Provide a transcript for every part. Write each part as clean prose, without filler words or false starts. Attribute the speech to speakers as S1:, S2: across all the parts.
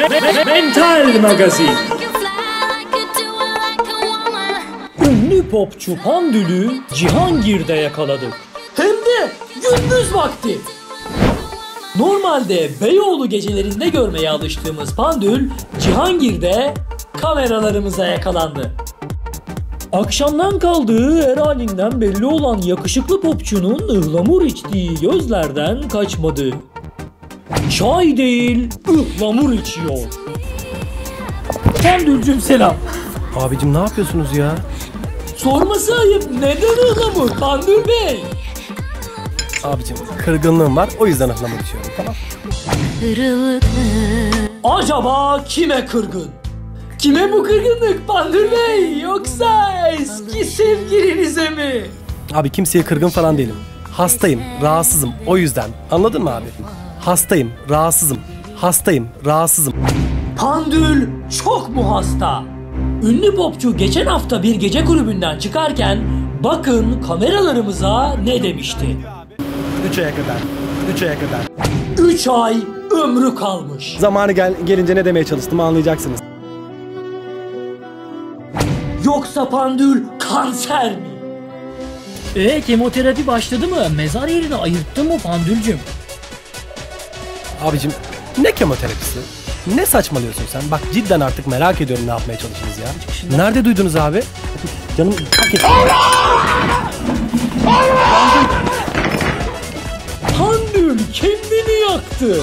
S1: Mental Magazin. Ünlü popçu Pandül'ü Cihangir'de yakaladık. Hem de gündüz vakti. Normalde Beyoğlu gecelerinde görmeye alıştığımız Pandül, Cihangir'de kameralarımıza yakalandı. Akşamdan kaldığı her halinden belli olan yakışıklı popçunun ıhlamur içtiği gözlerden kaçmadı. Çay değil, ıhlamur içiyor. Pandülcüm selam.
S2: Abicim ne yapıyorsunuz ya?
S1: Sorması ayıp, neden ıhlamur Pandül Bey?
S2: Abicim kırgınlığım var, o yüzden ıhlamur içiyorum, tamam?
S1: Acaba kime kırgın? Kime bu kırgınlık Pandül Bey? Yoksa eski sevgilinize mi?
S2: Abi kimseye kırgın falan değilim. Hastayım, rahatsızım, o yüzden. Anladın mı abi? Hastayım, rahatsızım. Hastayım, rahatsızım.
S1: Pandül çok mu hasta? Ünlü popçu geçen hafta bir gece kulübünden çıkarken bakın kameralarımıza ne demişti.
S2: 3 aya kadar. 3 aya kadar.
S1: 3 ay ömrü kalmış.
S2: Zamanı gelince ne demeye çalıştım anlayacaksınız.
S1: Yoksa Pandül kanser mi? Kemoterapi başladı mı? Mezar yerini ayırttın mı Pandülcüm?
S2: Abicim ne kemoterapisi? Ne saçmalıyorsun sen? Bak cidden artık merak ediyorum ne yapmaya çalıştınız ya. Nerede duydunuz abi? Canım hak etti.
S1: Pandül kendini yaktı.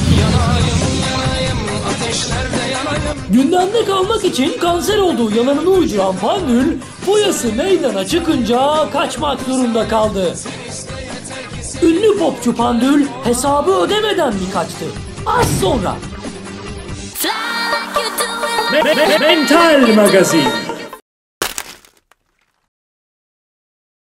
S1: Gündemde kalmak için kanser olduğu yalanını uyduran Pandül, boyası meydana çıkınca kaçmak zorunda kaldı. Ünlü popçu Pandül hesabı ödemeden mi kaçtı? Az sonra. Mental Magazin.